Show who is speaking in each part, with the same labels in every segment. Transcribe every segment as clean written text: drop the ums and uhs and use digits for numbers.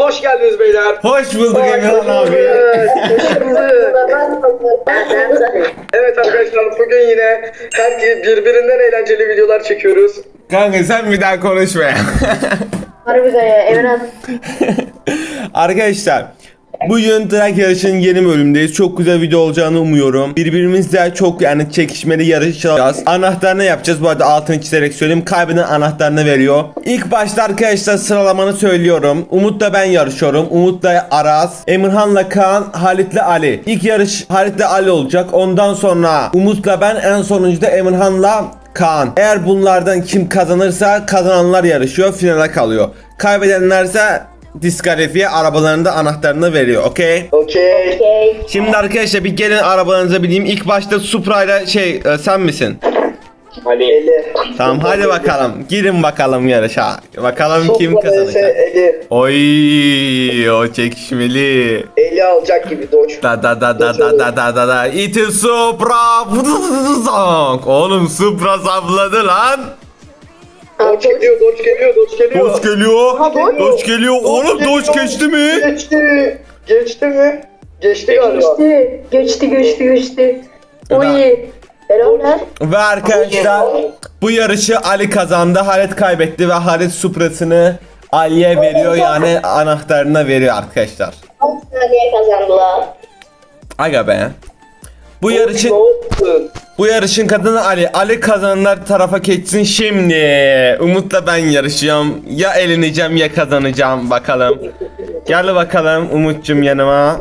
Speaker 1: hoş geldiniz beyler.
Speaker 2: Hoş bulduk Emirhan abi.
Speaker 1: Evet arkadaşlar bugün yine birbirinden eğlenceli videolar çekiyoruz.
Speaker 2: Kanka sen bir daha konuşma ya.
Speaker 3: Harbiden ya Emirhan.
Speaker 2: Arkadaşlar bugün Drag Yarışı'nın yeni bölümündeyiz. Çok güzel video olacağını umuyorum. Birbirimizle çok çekişmeli yarışacağız. Anahtarını yapacağız. Bu arada altını çizerek söyleyeyim. Kaybeden anahtarını veriyor. İlk başta arkadaşlar sıralamanı söylüyorum. Umut'la ben yarışıyorum. Umut'la Aras, Emirhan'la Kaan, Halit'le Ali. İlk yarış Halit'le Ali olacak. Ondan sonra Umut'la ben, en sonuncuda Emirhan'la Kaan. Eğer bunlardan kim kazanırsa kazananlar yarışıyor, finale kalıyor. Kaybedenlerse diskalifiye, arabalarında anahtarını veriyor. Okey.
Speaker 1: Okey.
Speaker 3: Okey.
Speaker 2: Şimdi arkadaşlar bir gelin arabalarınıza bineyim. İlk başta Supra'yla sen misin?
Speaker 1: Eli.
Speaker 2: Tamam hadi bakalım. Girin bakalım yarışa. Bakalım kim
Speaker 1: Supra vs
Speaker 2: kazanacak.
Speaker 1: Eli.
Speaker 2: Oy, o çekişmeli.
Speaker 1: Eli alacak gibi Doç.
Speaker 2: Da da da da da da da da da. It is Supra. Oğlum Supra sapladı lan.
Speaker 1: Doç geliyor, Doç geliyor, Doç geliyor.
Speaker 2: Doç geliyor.
Speaker 3: Aha, Doç.
Speaker 2: Doç geliyor. Oğlum Doç geçti mi?
Speaker 1: Geçti. Geçti mi? Geçti galiba.
Speaker 3: Geçti. Oy. Helal lan.
Speaker 2: Ve arkadaşlar bu yarışı Ali kazandı. Halit kaybetti ve Halit Supra'sını Ali'ye veriyor, yani anahtarına veriyor arkadaşlar.
Speaker 3: 10 saniye kazandılar.
Speaker 2: Aga be. Bu yarışın kadını Ali. Ali kazananlar tarafa geçsin şimdi. Umut'la ben yarışıyorum. Ya eleneceğim ya kazanacağım, bakalım. Gel bakalım Umut'cum yanıma.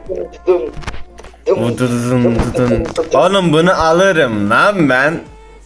Speaker 2: Oğlum bunu alırım lan ben.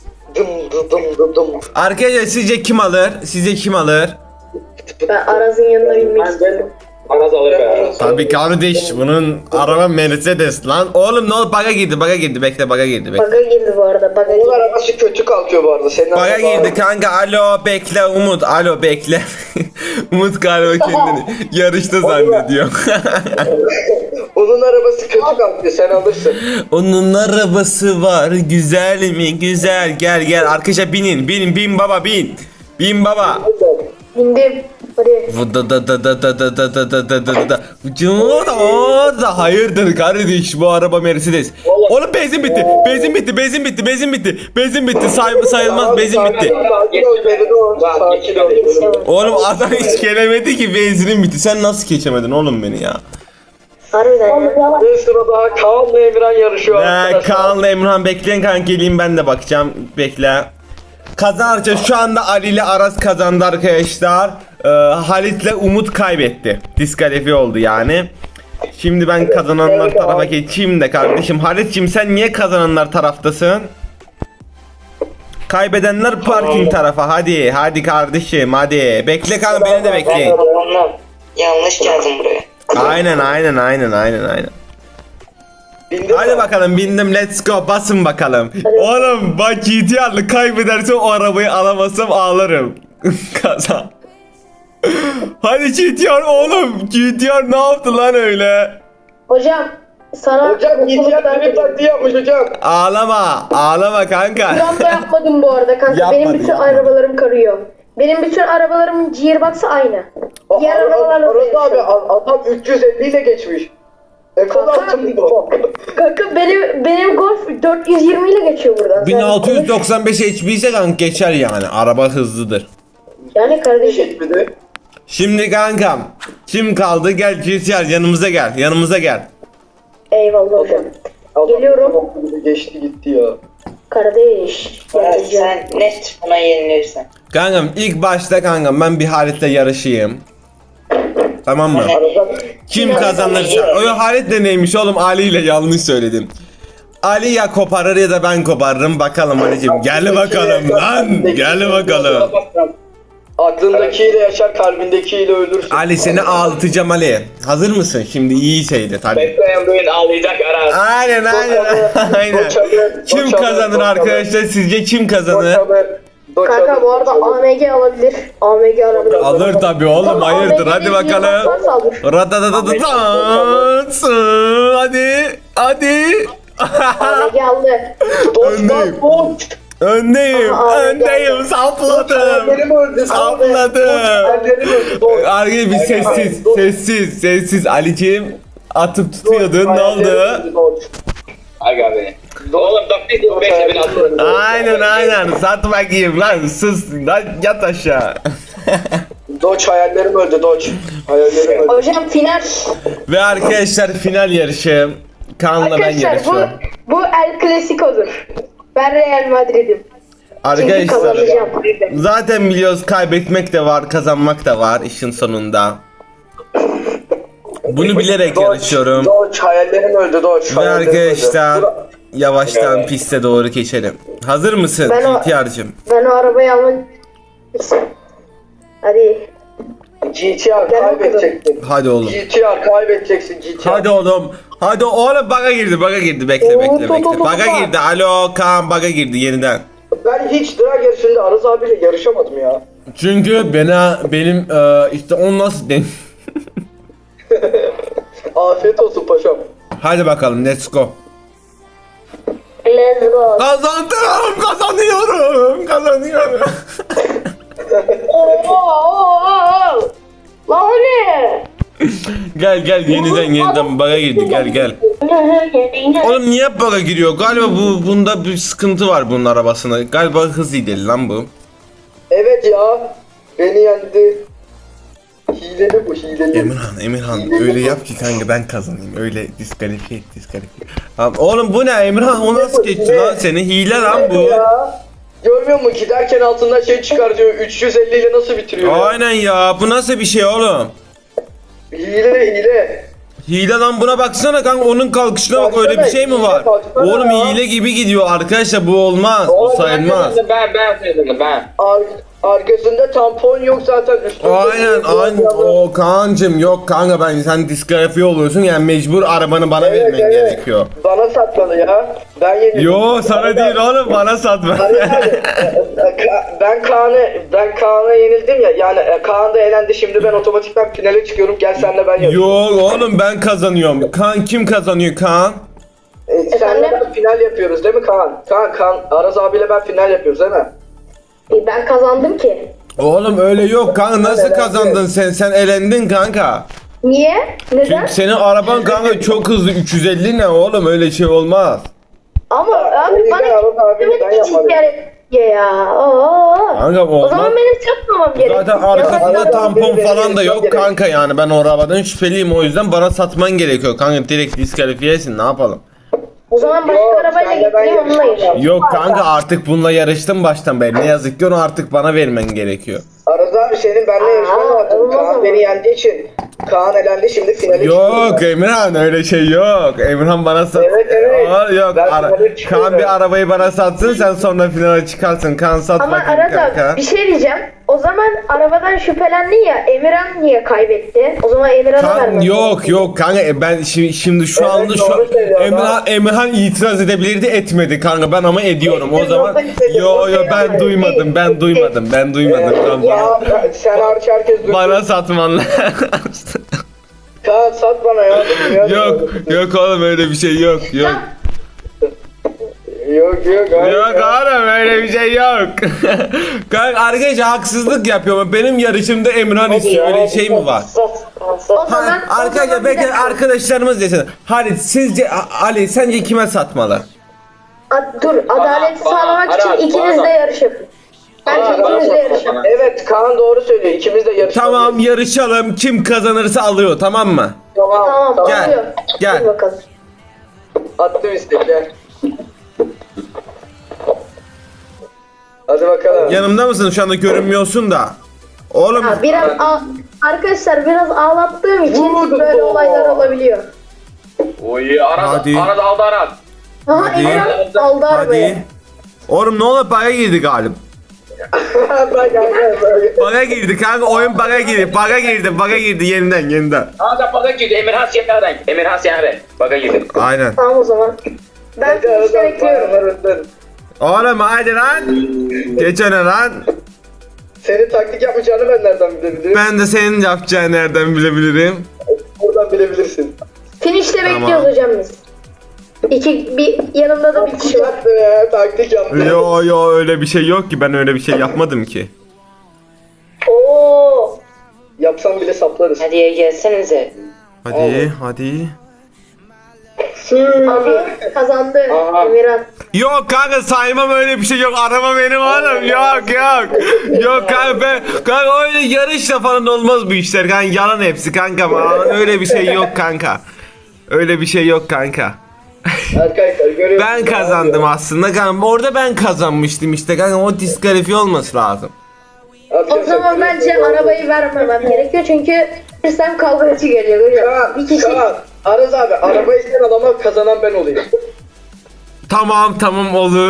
Speaker 2: Arkadaşlar sizce kim alır? Sizce kim alır?
Speaker 3: Ben Araz'ın yanına binmek istiyorum.
Speaker 1: Anas alır be.
Speaker 2: Tabii kardeş, bunun araba Mercedes lan. Oğlum ne oldu? Baga girdi. Bekle, baga girdi.
Speaker 3: Baga girdi bu arada. Baga
Speaker 1: Onun
Speaker 3: girdi.
Speaker 1: arabası kötü kalkıyor bu arada. Senin
Speaker 2: Baga
Speaker 1: araba-
Speaker 2: girdi kanka. Alo bekle Umut. Alo bekle. Umut galiba kendini yarışta zannediyor.
Speaker 1: Onun arabası kötü kalkıyor, sen alırsın.
Speaker 2: Onun arabası var. Güzel mi? Güzel. Gel. Arkadaşlar bin baba bin. Bin baba.
Speaker 3: Bindim. Hadi.
Speaker 2: Hayırdır kardeş, bu araba Mercedes. Oğlum benzin bitti. Benzin bitti. Sayılmaz, benzin bitti.
Speaker 1: Sakin ol Beridon, sakin ol.
Speaker 2: Oğlum adam hiç gelemedi ki, benzinin bitti. Sen nasıl geçemedin oğlum beni ya?
Speaker 3: Harbiden ya.
Speaker 1: Bir sırada Kaan'la Emirhan yarışıyor arkadaşlar.
Speaker 2: Kaan'la Emrah bekleyin kanka, geleyim ben de bakacağım. Bekle. Kazanırsa şu anda Ali ile Aras kazandı arkadaşlar. Halit'le Umut kaybetti. Diskalifiye oldu yani. Şimdi ben kazananlar tarafa geçeyim de kardeşim. Halit'cim sen niye kazananlar taraftasın? Kaybedenler parking tarafa. Hadi kardeşim hadi. Bekle kanka, beni de bekleyin.
Speaker 4: Yanlış geldim buraya.
Speaker 2: Aynen.
Speaker 1: Bindin
Speaker 2: Hadi
Speaker 1: mi?
Speaker 2: bakalım, bindim, let's go, basın bakalım. Oğlum bak, GTR'lı kaybedersem o arabayı alamazsam ağlarım. Kazan. Hadi GTR oğlum, GTR ne yaptı lan öyle?
Speaker 3: Hocam sana
Speaker 1: Hocam İhtiyar benim taktiği yapmış hocam.
Speaker 2: Ağlama kanka.
Speaker 3: Gram da yapmadım bu arada kanka.
Speaker 2: Yapmadı,
Speaker 3: Benim bütün
Speaker 2: yapmadı.
Speaker 3: arabalarım karıyor. Benim bütün arabalarımın gearbox'ı aynı. Diğer arabalarla
Speaker 1: Aras abi adam 350 ile geçmiş. Ekon
Speaker 3: Kanka.
Speaker 1: altında.
Speaker 3: Kanka benim Golf 420 ile geçiyor buradan.
Speaker 2: 1695 HP ise kanka geçer yani. Araba hızlıdır.
Speaker 3: Yani kardeşim.
Speaker 1: Geçmedi.
Speaker 2: Şimdi kankam, kim kaldı? Gel GTR, yanımıza gel.
Speaker 3: Eyvallah hocam.
Speaker 1: Adam
Speaker 3: Geliyorum.
Speaker 1: Geçti gitti ya.
Speaker 3: Kardeş.
Speaker 4: Evet,
Speaker 3: Geleceğim.
Speaker 4: sen net buna yenilirsin.
Speaker 2: Kankam ilk başta kankam ben bir Halit'le yarışayım. Tamam mı? Kim kazanırsa. O Halit de neymiş oğlum, Ali ile yanlış söyledim. Ali ya koparır ya da ben koparırım, bakalım Ali'cim. Gel bakalım lan. Gel bakalım.
Speaker 1: Aklındakiyle yaşar, kalbindekiyle ölürsün.
Speaker 2: Ali seni ağlatacağım Ali. Hazır mısın? Şimdi iyi seyret hadi.
Speaker 1: Bekleyen böyle ağlayacak Aras.
Speaker 2: Aynen. Kim kazanır arkadaşlar? Sizce kim kazanır?
Speaker 3: Kanka bu arada AMG alabilir. AMG alabilir.
Speaker 2: Alır tabi oğlum, hayırdır, hadi bakalım. Radadadadadans. Hadi.
Speaker 3: AMG aldı.
Speaker 2: Öndeyim. Öndeyim.
Speaker 3: Aa,
Speaker 2: Öndeyim. Sapladım.
Speaker 1: Hayallerim öldü.
Speaker 2: Sapladım.
Speaker 1: Hayallerim öldü. Doğuş.
Speaker 2: Arkadaşlar bir sessiz. Sessiz. Sessiz. Ali'ciğim atıp tutuyordun. Ne oldu?
Speaker 5: Aga be. Oğlum dur bekle beni atın.
Speaker 2: Aynen. Sat bakayım lan. Sus. Lan yat aşağı.
Speaker 1: Doç hayallerim öldü Doç. Hayallerim öldü.
Speaker 3: Hocam final.
Speaker 2: Ve arkadaşlar final yarışı. Kaan'la ben
Speaker 3: Arkadaşlar
Speaker 2: yarışıyorum.
Speaker 3: bu El Clasico'dur. Ben Real Madrid'im. Çünkü
Speaker 2: Arkadaşlar
Speaker 3: kazanacağım.
Speaker 2: zaten biliyoruz kaybetmek de var, kazanmak da var işin sonunda. Bunu bilerek yarışıyorum.
Speaker 1: Doç hayallerim öldü Doç.
Speaker 2: Ve
Speaker 1: hayallerim
Speaker 2: arkadaşlar
Speaker 1: öldü.
Speaker 2: yavaştan piste doğru geçelim. Hazır mısın
Speaker 3: Ben o-
Speaker 2: ihtiyarcım?
Speaker 3: Ben o arabayı almak... Hadi.
Speaker 1: GTR
Speaker 3: Gel
Speaker 1: kaybedeceksin.
Speaker 2: Hadi oğlum.
Speaker 1: GTR kaybedeceksin GTR.
Speaker 2: Hadi oğlum. Hadi oğlum baga girdi. Bekle. Baga girdi. Alo Kaan baga girdi yeniden.
Speaker 1: Ben hiç drag yarışında Aras abiyle yarışamadım ya.
Speaker 2: Çünkü benim işte onu nasıl den.
Speaker 1: Afiyet olsun paşam.
Speaker 2: Hadi bakalım let's go.
Speaker 3: Let's go.
Speaker 2: Kazanıyorum.
Speaker 3: Oo. Lan o ne?
Speaker 2: Gel yeniden baga girdi gel. Oğlum niye hep baga giriyor? Galiba bunda bir sıkıntı var bunun arabasında. Galiba hız iyi değil lan bu.
Speaker 1: Evet ya. Beni yendi. Hileli bu hileli.
Speaker 2: Emirhan öyle yap ki kanka ben kazanayım. Öyle diskalifiye. Tamam, oğlum bu ne Emirhan o nasıl geçti lan seni? Hile lan bu.
Speaker 1: Ya. Görmüyor musun? Giderken altından şey çıkar diyor. 350 ile nasıl bitiriyor ya?
Speaker 2: Aynen ya bu nasıl bir şey oğlum?
Speaker 1: Hile.
Speaker 2: Hile lan buna baksana kanka onun kalkışına bak öyle bir şey mi var?
Speaker 1: Baksana
Speaker 2: Oğlum
Speaker 1: ya.
Speaker 2: hile gibi gidiyor arkadaşlar bu olmaz. Bu
Speaker 1: Oğlum,
Speaker 2: sayılmaz.
Speaker 5: Ben söyledim ben.
Speaker 1: Arkasında tampon yok zaten. Üstünde
Speaker 2: Aynen o Kaan'cım yok kanka sen diskalifiye oluyorsun yani mecbur arabanı bana vermen gerekiyor.
Speaker 1: Bana satmalı ya. Ben yenildim.
Speaker 2: Yo sana değil oğlum bana satma.
Speaker 1: Ben Kaan'a yenildim ya. Yani Kaan da elendi. Şimdi ben otomatikman finale çıkıyorum. Gel senle ben yapayım.
Speaker 2: Yok oğlum ben kazanıyorum. Kaan kim kazanıyor Kaan?
Speaker 1: Senle ben final yapıyoruz değil mi Kaan? Kaan Aras abiyle ben final yapıyoruz değil mi?
Speaker 3: Ben kazandım ki.
Speaker 2: Oğlum öyle yok kanka nasıl kazandın sen elendin kanka.
Speaker 3: Niye? Neden?
Speaker 2: Çünkü senin araban kanka çok hızlı 350 ne oğlum öyle şey olmaz.
Speaker 3: Ama abi
Speaker 1: O yüzden
Speaker 3: bana
Speaker 1: Aras abiyle ben yapmadım.
Speaker 3: ya. Oo.
Speaker 2: Kanka
Speaker 3: O
Speaker 2: olmaz.
Speaker 3: zaman benim satmamam gerek.
Speaker 2: Zaten arkasında tampon falan da yok kanka yani ben o arabadan şüpheliyim o yüzden bana satman gerekiyor kanka direkt diskalifiyesin ne yapalım.
Speaker 3: O zaman başka
Speaker 1: Yok,
Speaker 3: arabayla
Speaker 1: senle ben
Speaker 3: gideyim onunla
Speaker 1: yarışacağım.
Speaker 3: yarışayım.
Speaker 2: Yok kanka artık bununla yarıştım baştan beri ne yazık ki onu artık bana vermen gerekiyor.
Speaker 1: Aras abi senin benimle yarışman lazım.
Speaker 3: olmaz
Speaker 1: Kaan
Speaker 3: ama.
Speaker 1: beni yendiği için. Kaan elendi şimdi finale
Speaker 2: Yok Emirhan öyle şey yok. Emirhan bana sat.
Speaker 1: Evet.
Speaker 2: Aa, yok
Speaker 1: Ben finale çıkıyorum.
Speaker 2: Kaan bir arabayı bana satsın sen sonra finale çıkarsın. Kaan sat
Speaker 3: Ama
Speaker 2: bakayım
Speaker 3: Aras
Speaker 2: kanka.
Speaker 3: abi bir şey diyeceğim. O zaman arabadan şüphelendin ya. Emirhan niye kaybetti? O zaman Emirhan'a vermem.
Speaker 2: Yok kanka ben şimdi şu
Speaker 1: Evet,
Speaker 2: anda
Speaker 1: doğru söylüyor,
Speaker 2: Emirhan itiraz edebilirdi etmedi kanka ben ama ediyorum o zaman. Yo ben duymadım kanka.
Speaker 1: Ya sen hariç herkes duydu.
Speaker 2: Bana satman lazım.
Speaker 1: Kaan sat bana ya.
Speaker 2: Yok oğlum öyle bir şey yok.
Speaker 1: Yok.
Speaker 2: Yok oğlum öyle bir şey yok. Kanka arkadaşlar haksızlık yapıyor. Benim yarışımda Emirhan istiyor. Öyle şey mi var?
Speaker 3: O zaman,
Speaker 2: Arkadaşlar bekle arkadaşlarımız desin. Halit sizce Ali sence kime satmalı?
Speaker 3: Dur adaleti
Speaker 5: Bana,
Speaker 3: sağlamak için
Speaker 5: Aras,
Speaker 3: ikiniz
Speaker 5: bana.
Speaker 3: de yarışın. Bence ikiniz de yarışın.
Speaker 1: Evet Kaan doğru söylüyor. İkimiz de yarışmalıyız.
Speaker 2: Tamam yarışalım. Kim kazanırsa alıyor tamam mı?
Speaker 3: Tamam
Speaker 2: Gel,
Speaker 3: oluyor.
Speaker 2: gel.
Speaker 3: Hadi bakalım.
Speaker 1: Attım istekler. Hadi bakalım.
Speaker 2: Yanımda mısın? Şu anda görünmüyorsun da. Oğlum
Speaker 3: Ha, arkadaşlar biraz ağlattığım için
Speaker 1: Vurdu.
Speaker 3: böyle olaylar olabiliyor.
Speaker 5: Oy Aras
Speaker 2: Hadi.
Speaker 5: aldı Aras.
Speaker 3: Aha
Speaker 2: Hadi.
Speaker 3: Emirhan aldı arabayı.
Speaker 2: hadi. Oğlum ne olur baga girdi galiba. Baga girdi kanka oyun baga girdi yeniden.
Speaker 5: Aras baga girdi Emirhan siyah renk. Baga girdi.
Speaker 2: Aynen.
Speaker 3: Tamam o zaman. Ben finişte bekliyorum.
Speaker 2: Oğlum hadi lan. Geç öne lan.
Speaker 1: Senin taktik yapacağını ben nereden bilebilirim?
Speaker 2: Ben de senin yapacağını nereden bilebilirim?
Speaker 1: Buradan bilebilirsin.
Speaker 3: Finişte
Speaker 2: Tamam.
Speaker 3: bekliyoruz hocam biz. Bir yanımda da bir
Speaker 1: Taktik
Speaker 3: kişi var.
Speaker 1: yaptı, taktik yaptı.
Speaker 2: Yo öyle bir şey yok ki, ben öyle bir şey yapmadım ki.
Speaker 3: Oo.
Speaker 1: Yapsam bile saplarız.
Speaker 4: Hadi ya gelsenize.
Speaker 2: Hadi.
Speaker 3: Abi kazandı
Speaker 1: Aha.
Speaker 3: Emirhan.
Speaker 2: Yok kanka, saymam, öyle bir şey yok. Araba benim oğlum. Yok. Yok kanka, kanka öyle yarışla falan olmaz bu işler kanka, yalan hepsi kanka. Öyle bir şey yok kanka. Öyle bir şey yok kanka.
Speaker 1: Arkadaşlar görüyorsunuz.
Speaker 2: Ben kazandım aslında kanka. Orada ben kazanmıştım işte kanka. O diskalifiye olması lazım.
Speaker 3: O zaman bence arabayı vermemem gerekiyor çünkü sen kavgacı geliyor görüyor musun? Bir kişi.
Speaker 1: Kaan, Aras abi arabayı sen al ama kazanan ben olayım.
Speaker 2: Tamam olur.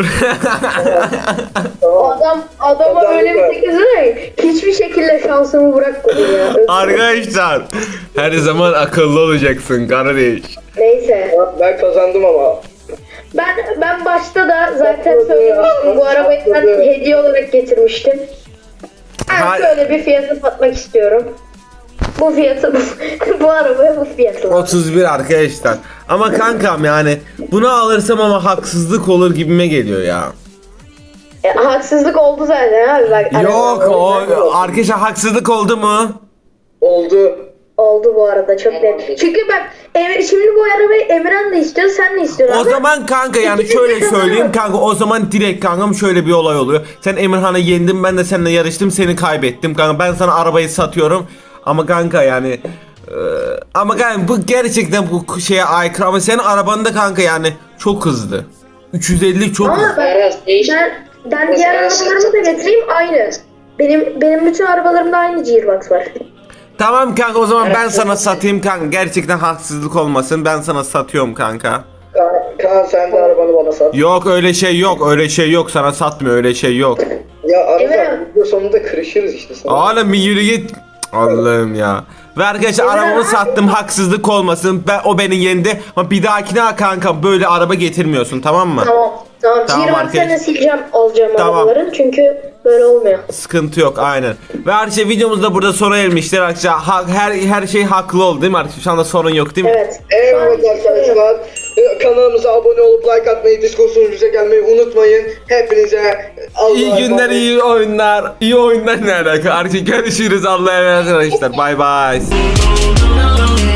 Speaker 3: Adama
Speaker 1: Kazandı
Speaker 3: öyle
Speaker 1: ben.
Speaker 3: bir teklif ki hiçbir şekilde şansımı bırakmadım ya.
Speaker 2: Arkadaşlar, her zaman akıllı olacaksın kardeş.
Speaker 3: Neyse.
Speaker 1: Ben kazandım ama.
Speaker 3: Ben başta da zaten söylemiştim, bu arabayı ben hediye olarak getirmiştim. Ben şöyle bir fiyatı satmak istiyorum. Bu fiyatı bu arabaya bu fiyatı.
Speaker 2: 31 arkadaşlar. Ama kankam yani bunu alırsam ama haksızlık olur gibime geliyor ya.
Speaker 3: Haksızlık oldu zaten abi bak.
Speaker 2: Yok
Speaker 3: araba-
Speaker 2: o arkadaşlar, haksızlık oldu mu?
Speaker 1: Oldu.
Speaker 3: Oldu bu arada çok net. Çünkü bak şimdi bu arabayı Emirhan da istiyor, sen de istiyorsun.
Speaker 2: O
Speaker 3: abi.
Speaker 2: zaman kanka yani
Speaker 3: İkimiz de
Speaker 2: şöyle söyleyeyim
Speaker 3: kazanıyoruz.
Speaker 2: kanka, o zaman direkt kankam şöyle bir olay oluyor. Sen Emirhan'ı yendin, ben de seninle yarıştım, seni kaybettim kanka, ben sana arabayı satıyorum. Ama kanka yani ama kanka bu gerçekten bu şeye aykırı, ama senin araban da kanka yani çok hızlı. 350 çok
Speaker 3: Ama
Speaker 2: hızlı.
Speaker 3: bak,
Speaker 4: Aras değiş.
Speaker 3: ben diğer arabalarımı da getireyim aynı. Benim bütün arabalarımda aynı gearbox var.
Speaker 2: Tamam kanka, o zaman ben sana satayım kanka, gerçekten haksızlık olmasın, ben sana satıyorum kanka.
Speaker 1: Kaan sen de arabanı bana sat.
Speaker 2: Yok öyle şey yok, sana satmıyor, öyle şey yok.
Speaker 1: Ya Aras
Speaker 3: Emirhan.
Speaker 1: abi video sonunda kırışırız işte sana.
Speaker 2: Oğlum bir yürü git. Allah'ım ya. Ve arkadaşlar arabamı sattım, haksızlık olmasın. O beni yendi. Ama bir dahakine kanka böyle araba getirmiyorsun, tamam mı?
Speaker 3: Tamam.
Speaker 2: Tamam,
Speaker 3: Gearbox'larını
Speaker 2: arkadaş.
Speaker 3: sileceğim, alacağım
Speaker 2: Tamam.
Speaker 3: arabaların çünkü böyle olmuyor.
Speaker 2: Sıkıntı yok, aynen. Ve arkadaşlar videomuz da burada sona ermiştir arkadaşlar. Her şey haklı oldu değil mi arkadaşlar? Şu anda sorun yok değil mi?
Speaker 3: Evet.
Speaker 1: Evet
Speaker 3: Şu an hiç sorun yok.
Speaker 1: arkadaşlar kanalımıza abone olup like atmayı, Discord sunucuya gelmeyi unutmayın. Hepinize Allah'a
Speaker 2: İyi günler,
Speaker 1: emanet.
Speaker 2: iyi oyunlar. İyi oyunlar ne alaka? Arkadaşlar görüşürüz. Allah'a emanet arkadaşlar. Bay bay.